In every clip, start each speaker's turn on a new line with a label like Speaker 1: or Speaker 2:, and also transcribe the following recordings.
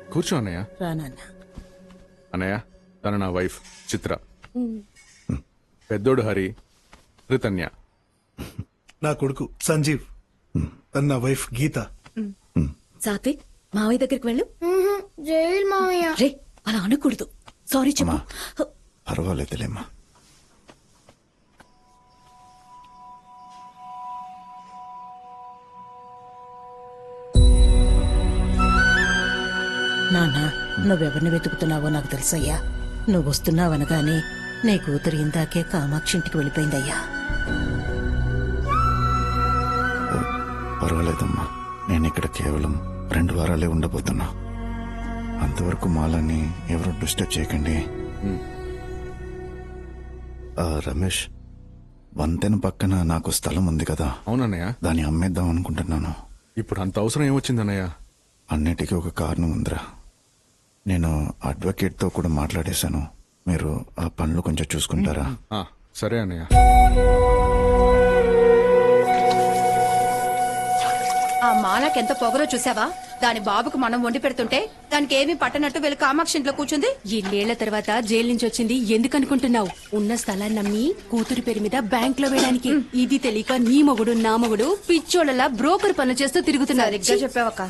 Speaker 1: కూర్చో అన్నయ్య.
Speaker 2: రానన్న.
Speaker 1: అన్నయ్య, తన నా వైఫ్ చిత్ర. పెద్దోడు హరి, రితన్య.
Speaker 3: నా కొడుకు సంజీవ్, తన నా వైఫ్ గీత.
Speaker 2: సాత్విక్, మావయ్య దగ్గరికి వెళ్ళు.
Speaker 4: జైలు మావయ్య.
Speaker 2: రే, అలా అనకూడదు. సారీ చెప్పు.
Speaker 5: పర్వాలేదులేమ్మా.
Speaker 2: నాన్న, నువ్వెవరిని వెతుకుతున్నావో నాకు తెలుసయ్యా. నువ్వు వస్తున్నావనగానే నీ కూతురు ఇందాకే కామాక్షి ఇంటికి వెళ్ళిపోయిందయ్యా.
Speaker 5: పర్వాలేదమ్మా, నేను ఇక్కడ కేవలం 2 వారాలే ఉండబోతున్నా. అంతవరకు మాలని ఎవరు డిస్టర్బ్ చేయకండి. రమేష్, వంతెన పక్కన నాకు స్థలం ఉంది కదా.
Speaker 1: అవునన్నయ్య.
Speaker 5: దాన్ని అమ్మేద్దాం అనుకుంటున్నాను.
Speaker 1: ఇప్పుడు అంత అవసరం ఏమొచ్చిందన్నయ్య?
Speaker 5: అన్నిటికీ ఒక కారణం ఉందిరా. నేను అడ్వకేట్తో కూడా మాట్లాడేశాను. మీరు ఆ పనులు కొంచెం చూసుకుంటారా?
Speaker 1: సరే అన్నయ్య.
Speaker 6: ఆ మాలకెంత పొగరో చూసావా? దాని బాబుకు మనం వండి పెడుతుంటే దానికి ఏమీ పట్టనట్టు వెళ్ళి కామాక్షి ఇంట్లో కూర్చుంది.
Speaker 7: ఇన్నేళ్ల తర్వాత జైలు నుంచి వచ్చింది ఎందుకనుకుంటున్నావు? ఉన్న స్థలాన్ని నమ్మి కూతురు పేరు మీద బ్యాంక్ లో వేయడానికి. ఇది తెలియక నీ మొగుడు నా మొగుడు పిచ్చోళ్ళలా బ్రోకర్ పనులు చేస్తూ తిరుగుతున్నారు.
Speaker 6: సరిగ్గా చెప్పావక్క.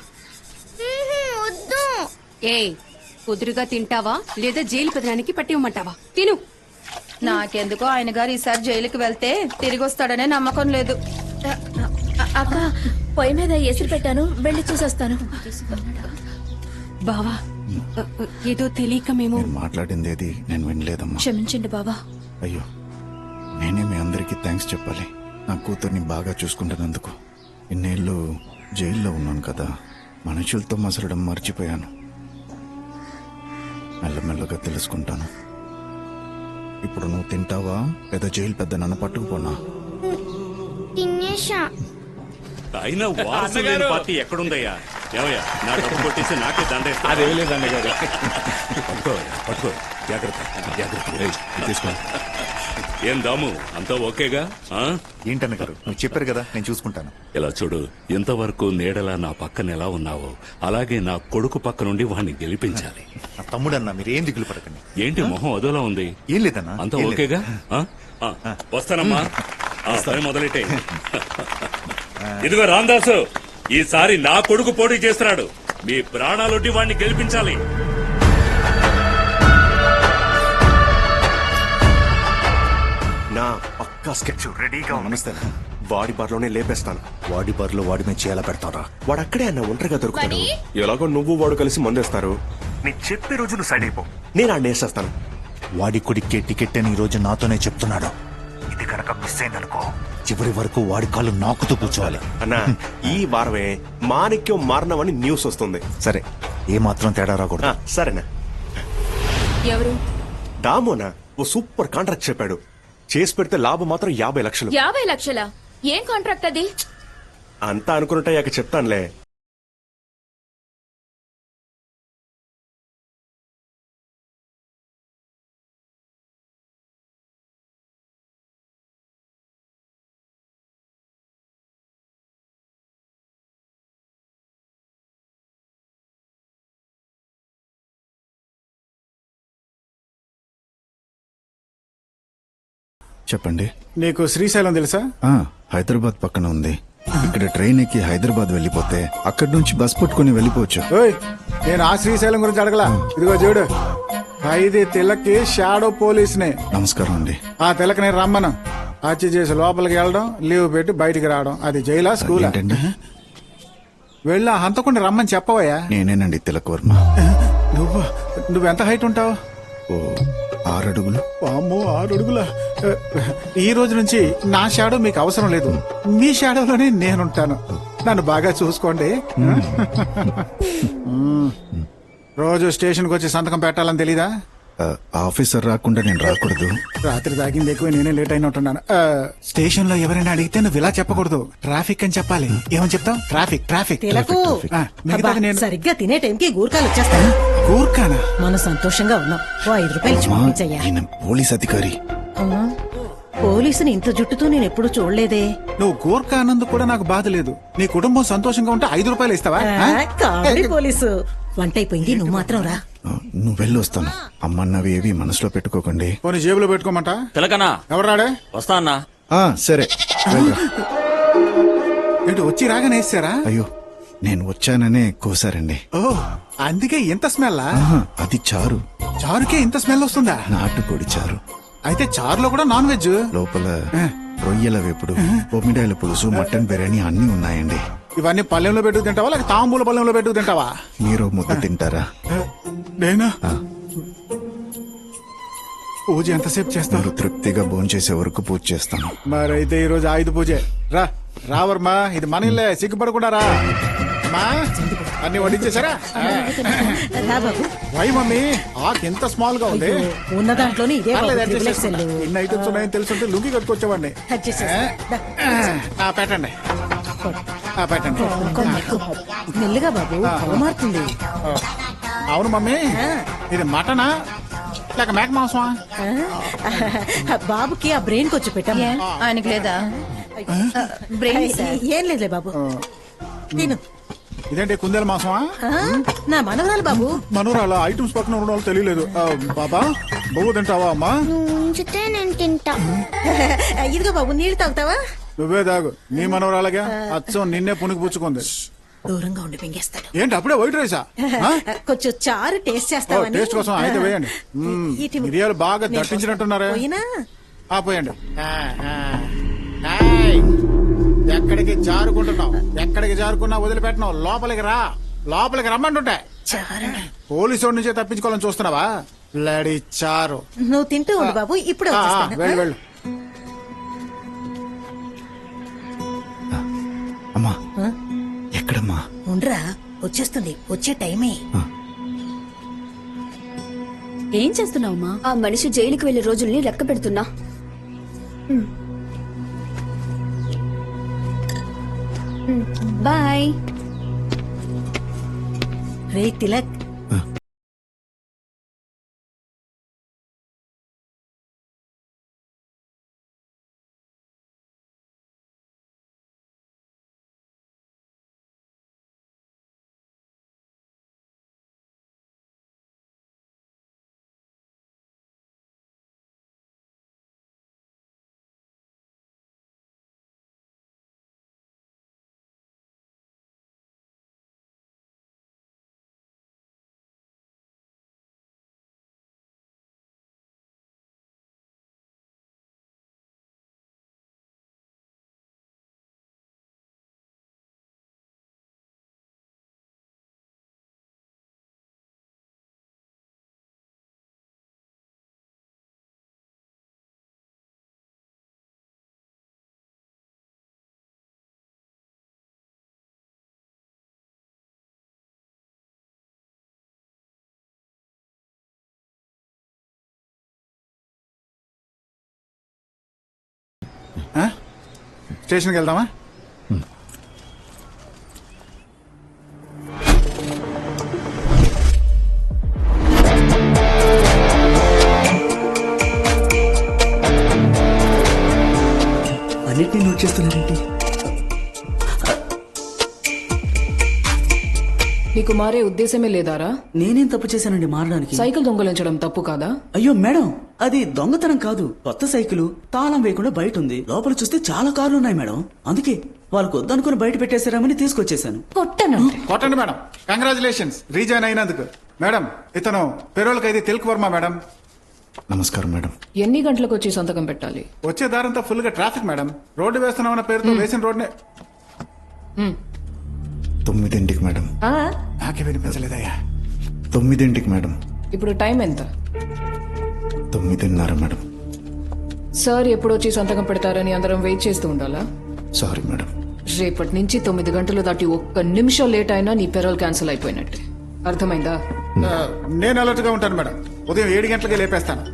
Speaker 4: వద్దు.
Speaker 7: ఏ కుదురుగా తింటావా లేదా జైలు పెదనానికి పట్టి ఇవ్వమంటావా? తిను.
Speaker 6: నాకెందుకో ఆయన గారు ఈసారి జైలుకి వెళ్తే తిరిగి వస్తాడనే నమ్మకం లేదు.
Speaker 4: అక్క, పొయ్యి మీద ఎసురు పెట్టాను, వెళ్ళి చూసొస్తాను.
Speaker 7: బావా, ఏదో తెలియక మేము
Speaker 5: మీరు మాట్లాడింది ఏది నేను వినలేదమ్మా.
Speaker 4: క్షమించండి బావా.
Speaker 5: అయ్యో, నేనే మీ అందరికీ థ్యాంక్స్ చెప్పాలి. నా కూతుర్ని బాగా చూసుకుంటున్నందుకు. ఇన్నేళ్ళు జైల్లో ఉన్నాను కదా, మనుషులతో మసలడం మర్చిపోయాను. మెల్లమెల్లగా తెలుసుకుంటాను. ఇప్పుడు నువ్వు తింటావా లేదా జైలు పెద్ద నన్ను పట్టుకుపోనా?
Speaker 4: తినేషా.
Speaker 8: అయినా వారసు లేని పార్టీ ఎక్కడుందయ్యా? ఏమయ్యా, నా డబ్బు కొట్టేసి నాకే దండేస్తా.
Speaker 1: అదేమీ లేదు అన్నగారు.
Speaker 8: పట్టుకో, జాగ్రత్త జాగ్రత్త. ఏం దాము, అంతా ఓకేగా?
Speaker 9: ఏంటన్న గారు, నువ్వు చెప్పారు కదా, నేను చూసుకుంటాను.
Speaker 8: ఇలా చూడు, ఇంతవరకు నీడలా నా పక్కన ఎలా ఉన్నావో అలాగే నా కొడుకు పక్క నుండి వాడిని గెలిపించాలి.
Speaker 9: నా తమ్ముడన్నా, మీరు ఏం దిగులు పడకండి.
Speaker 8: ఏంటి మొహం అదోలా ఉంది?
Speaker 9: ఏం లేదన్నా,
Speaker 8: అంతా ఓకేగా? వస్తానమ్మా. పని మొదలెట్టే. ఇదిగో రాందాసు, ఈసారి నా కొడుకు పోటీ చేస్తున్నాడు. మీ ప్రాణాలొడ్డి వాడిని గెలిపించాలి.
Speaker 10: నా పక్కా స్కెచ్ రెడీగా.
Speaker 9: నమస్తే.
Speaker 10: వాడి బార్లోనే లేపేస్తాను.
Speaker 9: వాడి బార్లో వాడి మీద చేయాల పెడతారా?
Speaker 10: వాడు అక్కడే అన్న ఒంటరిగా దొరుకుతాడు. ఎలాగో నువ్వు వాడు కలిసి మందేస్తారు. నేను చెప్పే రోజు నువ్వు సైడ్ అయిపో, నేను ఆడిని వేసేస్తాను.
Speaker 9: వాడి కొడుక్కే టికెట్ అని ఈ రోజు నాతోనే చెప్తున్నాడు. ఇది కనుక మిస్ అయిందనుకో, చివరి వరకు వాడి కాళ్ళు నాకుతూ కూర్చోవాలి.
Speaker 10: అన్నా, ఈ వారమే మాణిక్యం మారణమని న్యూస్ వస్తుంది.
Speaker 9: సరే, ఏ మాత్రం తేడా రాకూడదు.
Speaker 10: సరేనా?
Speaker 7: ఎవరు?
Speaker 10: దామోనా ఓ సూపర్ కాంట్రాక్ట్ చెప్పాడు. చేసి పెడితే లాభం మాత్రం 50 లక్షలు.
Speaker 4: 50 లక్షలా? ఏం కాంట్రాక్ట్ అది?
Speaker 10: అంతా అనుకున్నట్టు చెప్తానులే.
Speaker 5: చెప్పండి.
Speaker 3: నీకు శ్రీశైలం తెలుసా?
Speaker 5: హైదరాబాద్ పక్కన ఉంది. ఇక్కడ ట్రైన్ ఎక్కి హైదరాబాద్ వెళ్ళిపోతే అక్కడి నుంచి బస్ పట్టుకుని వెళ్ళిపోవచ్చు.
Speaker 3: నేను ఆ శ్రీశైలం గురించి అడగలా. ఇదిగో చూడు, ఖైదీ తిలక్కి షాడో పోలీసునే.
Speaker 5: నమస్కారం అండి.
Speaker 3: ఆ తిలక్ నేను రమ్మను. హత్య చేసి లోపలికి వెళ్ళడం, లీవ్ పెట్టి బయటికి రావడం. అది జైలా స్కూల్?
Speaker 5: ఏంటండి?
Speaker 3: వెళ్ళి ఆ హంతకుండా రమ్మని చెప్పవయ్యా.
Speaker 5: నేనేనండి తిలక్ వర్మ.
Speaker 3: నువ్వెంత హైట్ ఉంటావు?
Speaker 5: 6 అడుగులు.
Speaker 3: అమ్మో, 6 అడుగుల. ఈ రోజు నుంచి నా షాడో మీకు అవసరం లేదు. మీ షాడోలోనే నేనుంటాను. నన్ను బాగా చూసుకోండి. రోజు స్టేషన్కి వచ్చి సంతకం పెట్టాలని తెలీదా?
Speaker 5: ఆఫీసర్ రాకుండా నేను రాకూడదు.
Speaker 3: రాత్రి తాగింది ఎక్కువ, నేనే లేట్ అయినట్టున్నాను. స్టేషన్ లో ఎవరైనా అడిగితే నువ్వు ఇలా చెప్పకూడదు, ట్రాఫిక్ అని చెప్పాలి. ఏమని చెప్తావు? Traffic traffic.
Speaker 2: నేను సరిగ్గా తినే టైంకి గూర్ఖాలు వచ్చేస్తాను.
Speaker 3: గూర్ఖానా?
Speaker 2: మనం సంతోషంగా ఉన్నాం. 5 రూపాయలు ఇచ్చి పంపించయ్యా.
Speaker 5: పోలీస్ అధికారి.
Speaker 2: పోలీసుని ఇంత జుట్టుతో నేను ఎప్పుడు చూడలేదే.
Speaker 3: నువ్వు గూర్ఖా అన్నందుకు కూడా నాకు బాధ లేదు. నీ కుటుంబం సంతోషంగా ఉంటే 5 రూపాయలు ఇస్తావా?
Speaker 2: Comedy police. వంట అయిపోయింది, నువ్వు మాత్రం రా.
Speaker 5: నువ్వు వెళ్ళి వస్తాను. అమ్మన్నవి ఏవి మనసులో పెట్టుకోకండి.
Speaker 3: పోనీ జేబులో పెట్టుకోమంట.
Speaker 11: తిలకనా
Speaker 3: ఎవరు రాడే?
Speaker 11: వస్తా అన్నా.
Speaker 5: సరే వెళ్ళరా.
Speaker 3: ఏంటి వచ్చి రాగానే వేసారా?
Speaker 5: అయ్యో నేను వచ్చాననే కోసారండి.
Speaker 3: ఓ అందుకే ఇంత స్మెల్?
Speaker 5: అది చారు.
Speaker 3: చారుకే ఇంత స్మెల్ వస్తుందా?
Speaker 5: నాటుకోడి చారు.
Speaker 3: అయితే చారులో కూడా నాన్ వెజ్?
Speaker 5: లోపల రొయ్యల వేపుడు, బొమ్మిడాయల పులుసు, మటన్ బిర్యానీ అన్ని ఉన్నాయండి.
Speaker 3: ఇవన్నీ పల్లెంలో పెట్టుకు తింటావా లేక తాంబూల పల్లెంలో పెట్టుకు తింటావా?
Speaker 5: మీరు ముద్ద తింటారా?
Speaker 3: నేనా? పూజ ఎంతసేపు చేస్తారు?
Speaker 5: మీరు తృప్తిగా భోంచేసే వరకు పూజ చేస్తాను.
Speaker 3: మరైతే ఈ రోజు ఆయుధ పూజే. రా రావర్మా, ఇది మన ఇల్లే, సిగ్గుపడకుండా రా. అమ్మా అన్ని వడ్డించేశారా?
Speaker 2: రా బాబు.
Speaker 3: వై మమ్మీ ఆకు ఎంత స్మాల్ గా ఉంది?
Speaker 2: ఉన్న దాంట్లోనే ఇదే బాబు,
Speaker 3: పర్లేదు,
Speaker 2: త్రిబుల్
Speaker 3: adjust
Speaker 2: ఎక్సెల్.
Speaker 3: చేస్తా. ఇన్ని ఐటమ్స్ ఉన్నాయని తెలుసుంటే లుంగి కట్టుకొచ్చేవాడిని.
Speaker 2: Adjust చేస్తా. దా.
Speaker 3: పెట్టండి. పెట్టండి.
Speaker 2: మెల్లిగా బాబు, అవమారుతుంది.
Speaker 3: అవును మమ్మీ, ఇది మటనా లేక మేక మాంసమా?
Speaker 2: బాబుకి ఆ బ్రెయిన్ కొంచెం పెట్టాము.
Speaker 6: ఆయనకి లేదా బ్రెయిన్?
Speaker 2: ఏం లేదులే బాబు, తిను.
Speaker 3: ఇదేంటి కుందేల మాంసమా?
Speaker 2: నా మనవరాలు బాబు.
Speaker 3: మనోరాల ఐటమ్స్ పక్కన ఉన్న వాళ్ళు తెలియలేదు. బాబా బొవ్వు తింటావా అమ్మా?
Speaker 4: ఉంచితే నేను తింటా.
Speaker 2: ఇదిగో బాబు, నీళ్ళు తాగుతావా?
Speaker 3: నువ్వే తాగు. నీ మనవరాలగా అచ్చం నిన్నే పుణికి పుచ్చుకుంది.
Speaker 2: దూరంగా ఉండి మింగేస్తాడు.
Speaker 3: ఏంటి అప్పుడే వైట్ రైసా?
Speaker 2: కొంచెం చారు టేస్ట్ చేస్తావని.
Speaker 3: టేస్ట్ కోసం అయితే వేయండి. మిరియాలు బాగా దట్టించినట్టున్నారే.
Speaker 2: పోయినా
Speaker 3: పోయండి. ఎక్కడికి జారుకుంటున్నావు? ఎక్కడికి జారుకున్నా వదిలిపెట్టినావు. లోపలికి రా, లోపలికి రమ్మంటుంటే. పోలీసు వాడి నుంచే తప్పించుకోవాలని చూస్తున్నావా? లడి చారు.
Speaker 2: నువ్వు తింటూ ఉండు బాబు, ఇప్పుడే వచ్చేస్తాను.
Speaker 3: వెళ్ళు వెళ్ళు.
Speaker 5: అమ్మా ఎక్కడమ్మా?
Speaker 2: ఉండ్రా, వచ్చేస్తుంది, వచ్చే టైమే.
Speaker 4: ఏం చేస్తున్నావమ్మా? ఆ మనిషి జైలుకి వెళ్లే రోజుల్ని లెక్క పెడుతున్నా. బాయ్.
Speaker 2: రే తిలక్,
Speaker 3: స్టేషన్కి వెళ్దామా?
Speaker 11: అన్నిటినీ నోట్ చేస్తున్నారేంటి?
Speaker 12: నీకు మారే ఉద్దేశమే లేదారా?
Speaker 11: నేనేం తప్పు చేశానండి మారడానికి?
Speaker 12: సైకిల్ దొంగలించడం తప్పు కాదా?
Speaker 11: అయ్యో మేడం, అది దొంగతనం కాదు. కొత్త సైకిల్ తాళం వేయకుండా బయట ఉంది. లోపల చూస్తే చాలా కార్లు ఉన్నాయి మేడం. అందుకే వాళ్ళకు వద్దనుకుని బయట పెట్టేశారామని తీసుకొచ్చేసాను.
Speaker 3: కొట్టండి మేడం. కంగ్రాచులేషన్స్ రీజాయిన్ అయినందుకు. మేడం ఇతను పెరోల్ ఖైదీ తిలక్ వర్మ మేడం.
Speaker 5: నమస్కారం మేడం.
Speaker 12: ఎన్ని గంటలకు వచ్చి సంతకం పెట్టాలి?
Speaker 3: వచ్చే దారంతా ఫుల్ గా ట్రాఫిక్ మేడం. రోడ్డు వేస్తున్నామన్న పేరుతో వేసిన రోడ్నే.
Speaker 5: 9ంటికి మేడం.
Speaker 3: నాకే వినిపించలేదయ్యా.
Speaker 5: 9ంటికి మేడం.
Speaker 12: ఇప్పుడు టైం ఎంత?
Speaker 5: 9:30 మేడం.
Speaker 12: సార్ ఎప్పుడు వచ్చి సంతకం పెడతారని అందరం వెయిట్ చేస్తూ ఉండాలా?
Speaker 5: Sorry madam.
Speaker 12: రేపటి నుంచి 9 గంటలు దాటి 1 నిమిషం లేట్ అయినా నీ పెరోల్ క్యాన్సిల్ అయిపోయినట్టే. అర్థమైందా?
Speaker 3: నేను అలర్ట్ గా ఉంటాను మేడం. ఉదయం 7 గంటలకే లేపేస్తాను.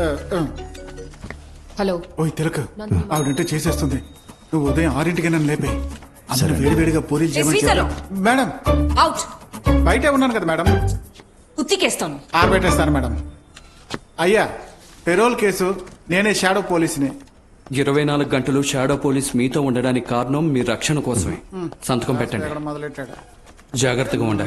Speaker 12: హలో.
Speaker 3: ఓయ్ తిలక్, ఆవిడంటే చేసేస్తుంది. నువ్వు ఉదయం 6ంటికి నన్ను లేపే. అందరూ వేడివేడిగా పూరీలు చేయమని. Madam
Speaker 12: out.
Speaker 3: బయటే ఉన్నాను కదా మేడం.
Speaker 12: ఉత్తికేస్తాను.
Speaker 3: ఆరబెట్టేస్తాను మేడం. అయ్యా పెరోల్ కేసు నేనే షాడో పోలీసుని.
Speaker 13: 24 గంటలు షాడో పోలీస్ మీతో ఉండడానికి కారణం మీ రక్షణ కోసమే. సంతకం పెట్టండి.
Speaker 3: మొదలెట్టాడు.
Speaker 13: జాగ్రత్తగా ఉండాలి.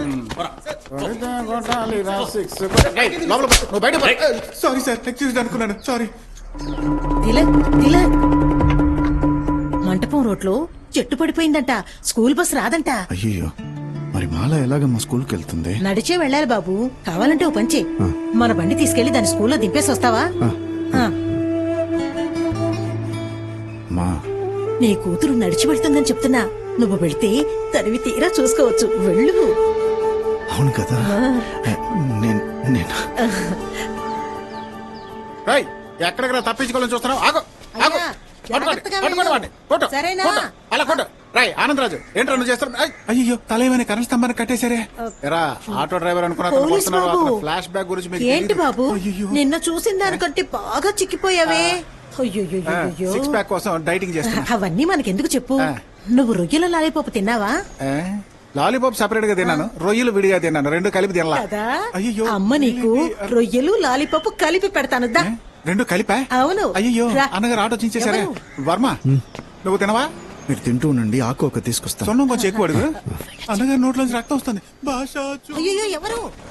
Speaker 3: నువ్వు బయట సారీ సార్ ఎక్స్క్యూజ్ అనుకున్నాను సారీ.
Speaker 2: తిలక్ తిలక్ మంటపం రోడ్లో చెట్టు పడిపోయిందంట. స్కూల్ బస్ రాదంట.
Speaker 5: అయ్యో మరి మాల ఎలాగమ్మా స్కూల్కి వెళ్తుంది?
Speaker 2: నడిచే వెళ్ళాలి బాబు. కావాలంటే ఓ పంచే, మన బండి తీసుకెళ్లి దాని స్కూల్లో దింపేసి వస్తావా? ఆ.
Speaker 5: మా
Speaker 2: నీ కూతురు నడిచి వెళ్తుందని చెప్తున్నా. నువ్వు వెళ్తే తనివి తీరా చూసుకోవచ్చు. వెళ్ళు.
Speaker 5: అవును కదా. నేను
Speaker 3: ఎక్కడికి రా తప్పించుకోవాలని చూస్తున్నావు? ఆగు ఆగు.
Speaker 2: జాగ్రత్తగా వెళ్ళు. సరేనా?
Speaker 3: అలా కొట్టు. రాయ్ ఆనందరాజు ఏంట్రా నువ్వు చేస్తావు? అయ్యో తలేమని కరెంట్ స్తంభాన్ని కట్టేశారే. ఎరా ఆటో డ్రైవర్
Speaker 2: పోలీస్ బాబు.
Speaker 3: అనుకున్నా ఫ్లాష్ బ్యాక్ గురించి మీకు
Speaker 2: ఏంటి
Speaker 3: తెలీదు.
Speaker 2: బాబు
Speaker 3: అయ్యయ్యో.
Speaker 2: నిన్న చూసిన దానికంటే బాగా చిక్కిపోయావే. అయ్యో
Speaker 3: సిక్స్ ప్యాక్ కోసం డైటింగ్ చేస్తున్నా.
Speaker 2: అవన్నీ మనకెందుకు చెప్పు. నువ్వు రొయ్యల లాలీపాపు తిన్నావా?
Speaker 3: లాలీపాప్ సెపరేట్ గా తిన్నాను, రొయ్యలు విడిగా తిన్నాను, రెండు కలిపి తినలా.
Speaker 2: కదా
Speaker 3: అయ్యో
Speaker 2: అమ్మ నీకు రొయ్యలు లాలీపాపు కలిపి పెడతాను దా.
Speaker 3: రెండు కలిపా?
Speaker 2: అవును.
Speaker 3: అయ్యో
Speaker 2: రా.
Speaker 3: అన్నగారు ఆటో చించేశారే.
Speaker 2: ఎవరు?
Speaker 3: వర్మ నువ్వు తినవా?
Speaker 5: మీరు తింటూ ఉండండి, ఆకు ఒక తీసుకొస్తాను.
Speaker 3: సొన్నం కొంచెం ఎక్కువ అడుగు. అన్నగారి నోట్లోంచి రక్తం వస్తుంది. భాష
Speaker 2: అయ్యో ఎవరు